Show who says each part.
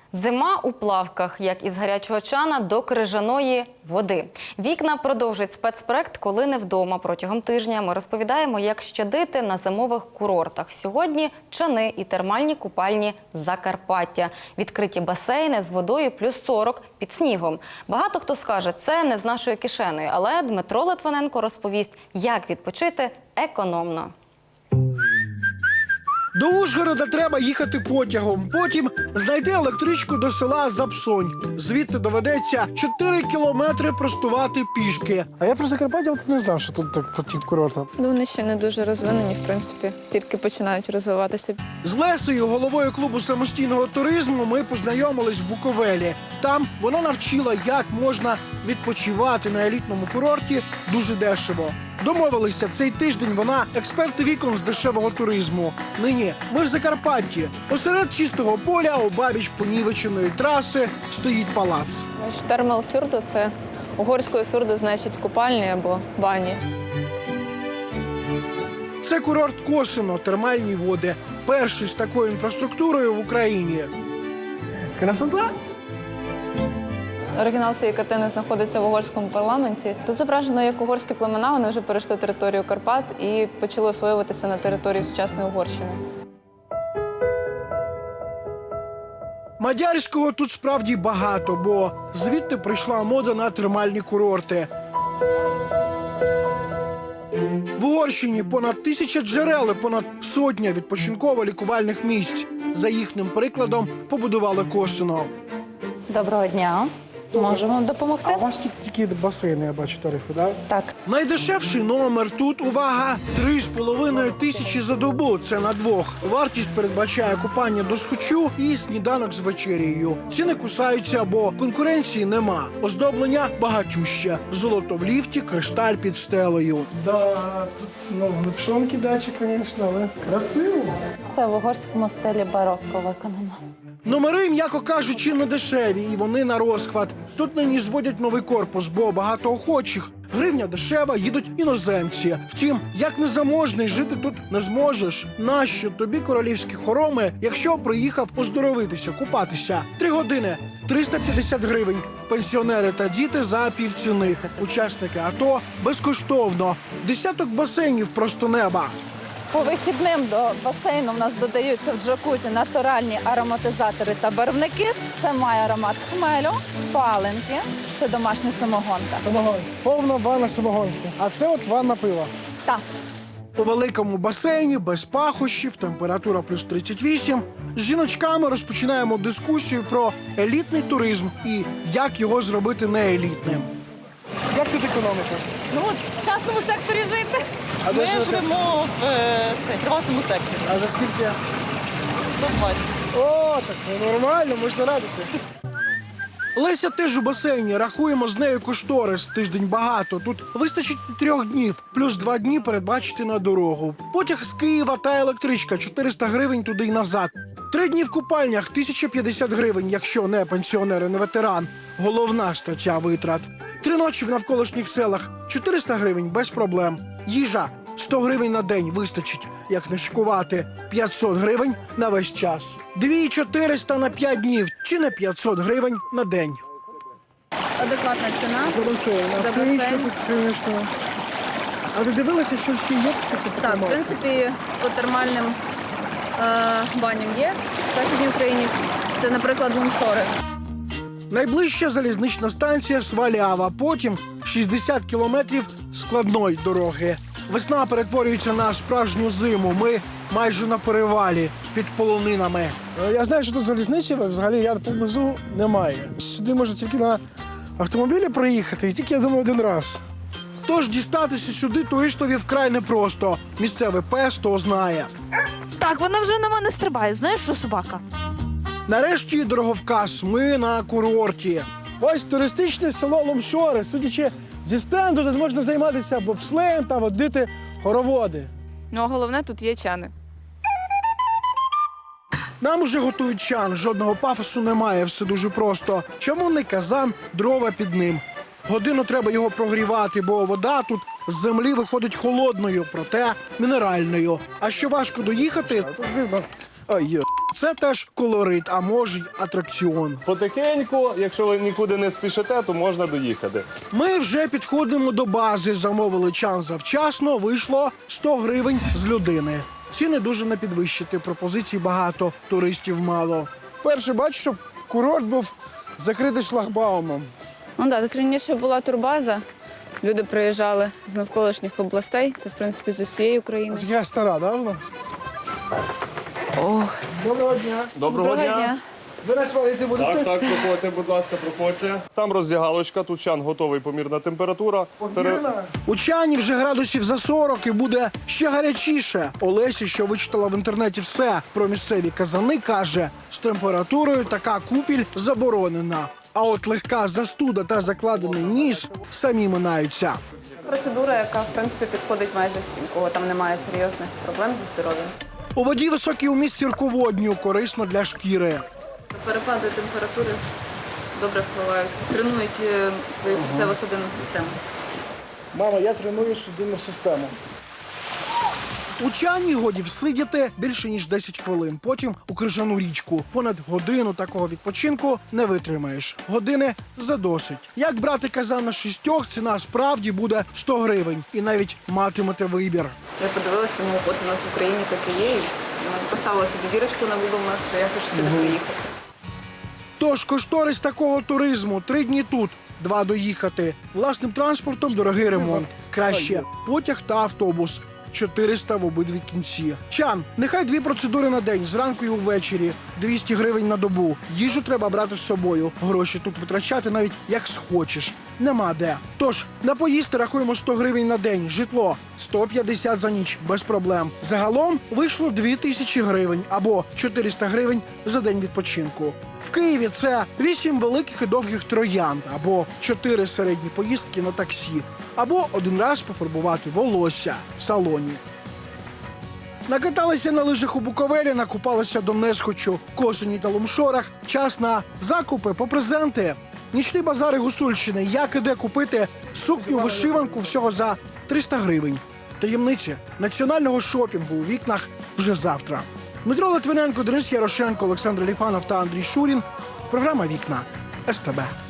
Speaker 1: Зима у плавках, як із гарячого чана до крижаної води. «Вікна» продовжить спецпроект «Коли не вдома». Протягом тижня ми розповідаємо, як щадити на зимових курортах. Сьогодні чани і термальні купальні Закарпаття. Відкриті басейни з водою плюс 40 під снігом. Багато хто скаже, це не з нашою кишенею, але Дмитро Литвиненко розповість, як відпочити економно.
Speaker 2: До Ужгорода треба їхати потягом. Потім знайти електричку до села Запсонь. Звідти доведеться 4 кілометри простувати пішки.
Speaker 3: А я про Закарпаття не знав, що тут так потік курорту.
Speaker 4: Вони ще не дуже розвинені, в принципі. Тільки починають розвиватися.
Speaker 2: З Лесею, головою клубу самостійного туризму, ми познайомились в Буковелі. Там вона навчила, як можна відпочивати на елітному курорті дуже дешево. Домовилися, цей тиждень вона експерт вікон з дешевого туризму. Нині ми в Закарпатті. Посеред чистого поля, обабіч понівеченої траси, стоїть палац.
Speaker 4: Штермел-фюрду – це угорською фюрду, значить купальні або бані.
Speaker 2: Це курорт Косино, термальні води. Перший з такою інфраструктурою в Україні.
Speaker 3: Красота!
Speaker 4: Оригінал цієї картини знаходиться в угорському парламенті. Тут зображено, як угорські племена, вони вже перейшли територію Карпат і почали освоюватися на території сучасної Угорщини.
Speaker 2: Мадярського тут справді багато, бо звідти прийшла мода на термальні курорти. В Угорщині понад 1000 джерел і понад сотня відпочинково-лікувальних місць. За їхнім прикладом побудували Косино.
Speaker 5: Доброго дня. Можемо вам допомогти?
Speaker 3: А у вас тут тільки басейни, я бачу, тарифи, так?
Speaker 5: Так.
Speaker 2: Найдешевший номер тут, увага, 3500 за добу. Це на двох. Вартість передбачає купання до схочу і сніданок з вечерією. Ціни кусаються, бо конкуренції нема. Оздоблення багатюще. Золото в ліфті, кришталь під стелею.
Speaker 3: Да, тут, не пшонки дачі, звісно, але красиво.
Speaker 5: Все в угорському стилі барокко виконано.
Speaker 2: Номери, м'яко кажучи, не дешеві, і вони на розхват. Тут нині зводять новий корпус, бо багато охочих. Гривня дешева, їдуть іноземці. Втім, як незаможний, жити тут не зможеш. Нащо тобі королівські хороми, якщо приїхав оздоровитися, купатися? 3 години, 350 гривень. Пенсіонери та діти за півціни. Учасники АТО безкоштовно. Десяток басейнів просто неба.
Speaker 5: По вихідним до басейну в нас додаються в джакузі натуральні ароматизатори та барвники. Це має аромат хмелю, паленки. Це домашня самогонка.
Speaker 3: Самогон. Повна ванна самогонки. А це от ванна пива.
Speaker 5: Так.
Speaker 2: У великому басейні, без пахощів, температура плюс 38. З жіночками розпочинаємо дискусію про елітний туризм і як його зробити неелітним.
Speaker 3: Як тут економіка?
Speaker 6: Ну, от в частному секторі жити.
Speaker 3: А де
Speaker 6: Ми
Speaker 3: живете?
Speaker 6: живемо в приватному секторі.
Speaker 3: А за скільки?
Speaker 6: 120.
Speaker 3: О, так це нормально, можна радити.
Speaker 2: Леся теж у басейні. Рахуємо з нею кошторис. Тиждень багато. Тут вистачить 3 днів. Плюс 2 дні передбачити на дорогу. Потяг з Києва та електричка. 400 гривень туди й назад. 3 дні в купальнях. 1050 гривень, якщо не пенсіонер і не ветеран. Головна стаття витрат. 3 ночі в навколишніх селах. 400 гривень без проблем. Їжа. 100 гривень на день вистачить, як не шикувати. 500 гривень на весь час. 2400 на 5 днів, чи не 500 гривень на день.
Speaker 4: Адекватна ціна.
Speaker 3: За басейн. А
Speaker 4: За
Speaker 3: все
Speaker 4: басейн.
Speaker 3: інше тут, звісно. А ви дивилися, що ще є?
Speaker 4: Так, в принципі, по термальним баням є в Західній Україні. Це, наприклад, лумшори.
Speaker 2: Найближча залізнична станція Свалява, потім 60 кілометрів складної дороги. Весна перетворюється на справжню зиму. Ми майже на перевалі під полонинами.
Speaker 3: Я знаю, що тут залізничі, взагалі ряд поблизу немає. Сюди можна тільки на автомобілі проїхати, і тільки, я думаю, один раз.
Speaker 2: Тож дістатися сюди туристові вкрай непросто. Місцевий пес то знає.
Speaker 6: Так, вона вже на мене стрибає. Знаєш, що собака?
Speaker 2: Нарешті дороговказ. Ми на курорті.
Speaker 3: Ось туристичне село Лумшори. Судячи зі стенду, тут можна займатися бобслеєм та водити хороводи.
Speaker 4: Ну, а головне, тут є чани.
Speaker 2: Нам уже готують чан, жодного пафосу немає, все дуже просто. Чавунний казан, дрова під ним. Годину треба його прогрівати, бо вода тут з землі виходить холодною, проте мінеральною. А що важко доїхати,
Speaker 3: Тут видно.
Speaker 2: ой, Це теж колорит, а може й атракціон.
Speaker 7: Потихеньку, якщо ви нікуди не спішите, то можна доїхати.
Speaker 2: Ми вже підходимо до бази. Замовили чан завчасно, вийшло 100 гривень з людини. Ціни дуже не підвищити, пропозицій багато, туристів мало.
Speaker 3: Вперше бачу, щоб курорт був закритий шлагбаумом.
Speaker 4: Ну так, тут раніше була турбаза. Люди приїжджали з навколишніх областей, та в принципі з усієї України.
Speaker 3: Така стара, да, вона?
Speaker 4: Ох,
Speaker 3: Доброго дня.
Speaker 7: Доброго дня.
Speaker 3: Ви нас валити будете?
Speaker 7: Так, проходьте, будь ласка, проходьте. Там роздягалочка, тут чан готовий, помірна температура.
Speaker 3: Вірно?
Speaker 2: У чані вже градусів за 40 і буде ще гарячіше. Олесі, що вичитала в інтернеті все про місцеві казани, каже, з температурою така купіль заборонена. А от легка застуда та закладений ніс самі минаються.
Speaker 4: процедура, яка в принципі підходить майже всім, кого там немає серйозних проблем зі здоров'ям.
Speaker 2: У воді високий уміст сірководню, корисно для шкіри.
Speaker 4: Перепади температури добре впливають, тренують свою серцево-судинну систему.
Speaker 3: Мама, я треную судинну систему.
Speaker 2: У чані годі всидіти більше ніж 10 хвилин. Потім у крижану річку. Понад годину такого відпочинку не витримаєш. Години задосить. Як брати казан на 6, ціна справді буде 100 гривень. І навіть матимете вибір.
Speaker 4: Я подивилася, тому от у нас в Україні таке є. І поставила собі зірочку на Google Maps, що я хочу сюди приїхати.
Speaker 2: Тож кошторис такого туризму 3 дні тут, 2 доїхати. Власним транспортом дорогий ремонт. Краще потяг та автобус. 400 в обидві кінці. Чан, нехай 2 процедури на день, зранку і увечері. 200 гривень на добу. Їжу треба брати з собою. Гроші тут витрачати навіть як схочеш. Нема де. Тож, на поїсти рахуємо 100 гривень на день. Житло 150 за ніч, без проблем. Загалом вийшло 2000 гривень або 400 гривень за день відпочинку. В Києві це 8 великих і довгих троянд, або 4 середні поїздки на таксі, або 1 раз пофарбувати волосся в салоні. Накаталися на лижах у Буковелі, накупалися до Несхочу, Косині та Лумшорах. Час на закупи по презенти. Нічні базари Гусульщини. Як і де купити сукню-вишиванку всього за 300 гривень. Таємниці національного шопінгу у вікнах вже завтра. Дмитро Литвиненко, Денис Ярошенко, Олександр Ліфанов та Андрій Шурін. Програма «Вікна» СТБ.